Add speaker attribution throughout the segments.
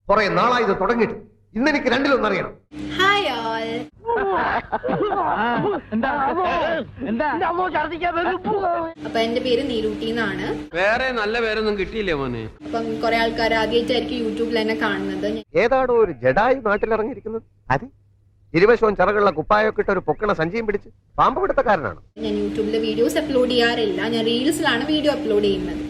Speaker 1: കുറെ നാളായി ഇത് തുടങ്ങിയിട്ട്. ഇന്നെനിക്ക് രണ്ടിലൊന്നറിയണം.
Speaker 2: Hi all. അപ്പൊ എന്റെ പേര് നീരൂട്ടി എന്നാണ്.
Speaker 3: വേറെ നല്ല പേരൊന്നും കിട്ടിയില്ലേ മോനെ?
Speaker 2: അപ്പം കുറെ ആൾക്കാർ ആദ്യമായിട്ടായിരിക്കും യൂട്യൂബിൽ എന്നെ കാണുന്നത്.
Speaker 1: ഏതാണോ ഒരു ജഡായി നാട്ടിലിറങ്ങിയിരിക്കുന്നത്? അതെ, ഇരുവശവും ചിറകുള്ള കുപ്പായൊക്കെ ഇട്ട് ഒരു പൊക്കണ സഞ്ചിയും പിടിച്ച് പാമ്പ് പിടുത്തക്കാരനാണ്.
Speaker 2: ഞാൻ യൂട്യൂബിൽ വീഡിയോസ് അപ്ലോഡ് ചെയ്യാറില്ല. ഞാൻ റീൽസിലാണ് വീഡിയോ അപ്ലോഡ് ചെയ്യുന്നത്.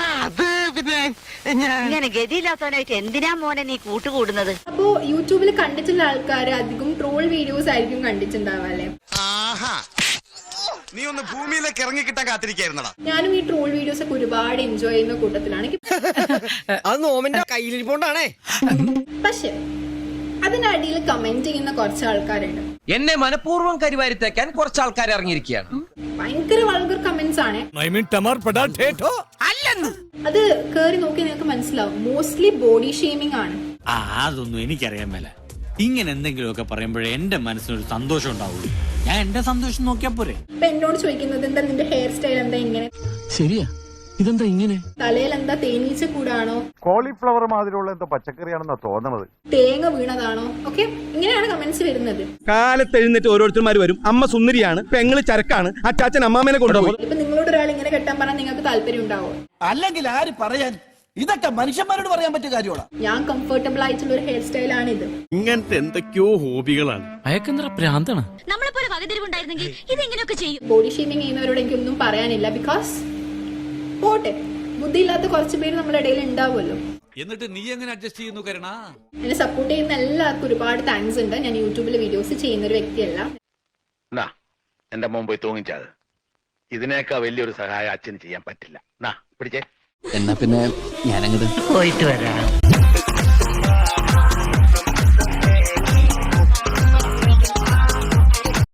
Speaker 4: ഇങ്ങനെ ഗതിയില്ലാത്തവനായിട്ട് എന്തിനാ മോനെ നീ കൂട്ടുകൂടുന്നത്?
Speaker 2: അപ്പോ യൂട്യൂബിൽ കണ്ടിട്ടുള്ള ആൾക്കാർ അധികം ട്രോൾ വീഡിയോസ് ആയിരിക്കും കണ്ടിട്ടുണ്ടാവുക അല്ലെ?
Speaker 5: നീ ഒന്ന് ഭൂമിയിലേക്ക് ഇറങ്ങി കിട്ടാൻ കാത്തിരിക്കായിരുന്നടാ.
Speaker 2: ഞാനും ഈ ട്രോൾ വീഡിയോസ് ഒക്കെ ഒരുപാട് എൻജോയ് ചെയ്യുന്ന കൂട്ടത്തിലാണ്. പക്ഷെ അതിനടിയിൽ കമന്റ് ചെയ്യുന്ന കുറച്ച് ആൾക്കാരുണ്ട്.
Speaker 6: എന്നെ മനഃപൂർവ്വം കരിവാരിത്തേക്കാൻ കുറച്ച് ആൾക്കാർ ഇറങ്ങിയിരിക്കുകയാണ്.
Speaker 2: ഭയങ്കര വൾഗർ കമന്റ്സ് ആണ്. അത് കേറി നോക്കി നിങ്ങൾക്ക് മനസ്സിലാവും. മോസ്റ്റ്ലി ബോഡി ഷേമിംഗ് ആണ്.
Speaker 7: അതൊന്നും എനിക്കറിയാൻ മേല. ഇങ്ങനെ എന്തെങ്കിലുമൊക്കെ പറയുമ്പോഴേ എന്റെ മനസ്സിനൊരു സന്തോഷം ഉണ്ടാവുള്ളൂ. ഞാൻ എന്റെ സന്തോഷം നോക്കിയാ പോരെ.
Speaker 2: ഇപ്പൊ എന്നോട് ചോദിക്കുന്നത് എന്താ നിന്റെ ഹെയർ സ്റ്റൈൽ എന്താ ഇങ്ങനെ,
Speaker 8: ശരിയാ ഇതെന്താ ഇങ്ങനെ,
Speaker 2: തലയിൽ എന്താ തേനീച്ച കൂടാണോ,
Speaker 9: കോളിഫ്ലവർ മാതിരിയുള്ള എന്തോ പച്ചക്കറിയാണെന്നാ തോന്നണത്,
Speaker 2: തേങ്ങ വീണതാണോ, ഓക്കെ ഇങ്ങനെയാണ് കമന്റ്സ് വരുന്നത്.
Speaker 10: കാലത്ത് എഴുന്നേറ്റ് ഓരോരുത്തർമാർ വരും. അമ്മ സുന്ദരിയാണ്, പെങ്ങള് ചരക്കാണ്, അച്ചാച്ചൻ അമ്മാമേനെ കൊണ്ടുപോകും.
Speaker 2: ഇപ്പൊ നിങ്ങളോട് ഒരാൾ ഇങ്ങനെ കെട്ടാൻ പറഞ്ഞാൽ നിങ്ങൾക്ക് താല്പര്യം ഉണ്ടാവോ?
Speaker 8: അല്ലെങ്കിൽ ആര് പറയാൻ? ഇതൊക്കെ മനുഷ്യന്മാരോട് പറയാൻ പറ്റിയ കാര്യമാണ്.
Speaker 2: ഞാൻ കംഫർട്ടബിൾ ആയിട്ടുള്ള ഒരു ഹെയർ സ്റ്റൈൽ ആണ് ഇത്.
Speaker 7: ഇങ്ങനത്തെ എന്തൊക്കെയോ ഹോബികളാണ്.
Speaker 8: അയക്കെന്തറ പ്രാന്താണ്.
Speaker 4: നമ്മളെപ്പോലെ വകതിരിവുണ്ടായിരുന്നെങ്കിൽ ഇതെങ്ങനെയൊക്കെ ചെയ്യും?
Speaker 2: ബോഡി ഷേമിംഗ് ചെയ്യുന്നവരോട് എനിക്കൊന്നും പറയാനില്ല. ബിക്കോസ് പോട്ടെ, ബുദ്ധിയില്ലാത്ത കുറച്ച് പേര് നമ്മുടെ ഇടയിൽ ഉണ്ടാവുമല്ലോ.
Speaker 7: എന്നിട്ട് നീ എങ്ങനെ അഡ്ജസ്റ്റ് ചെയ്യുന്നു കരുണ?
Speaker 2: എന്നെ സപ്പോർട്ട് ചെയ്യുന്ന എല്ലാവർക്കും ഒരുപാട് താങ്ക്സ് ഉണ്ട്. ഞാൻ യൂട്യൂബിൽ വീഡിയോസ് ചെയ്യുന്ന ഒരു വ്യക്തിയല്ല.
Speaker 5: എന്റെ മോൻ പോയി തൂങ്ങിച്ചത്. ഇതിനേക്കാൾ വലിയൊരു സഹായം അച്ഛന് ചെയ്യാൻ പറ്റില്ല. പിടിച്ചേ.
Speaker 8: എന്നാ പിന്നെ ഞാനങ്ങോട്ട്
Speaker 4: പോയിട്ട് വരാം.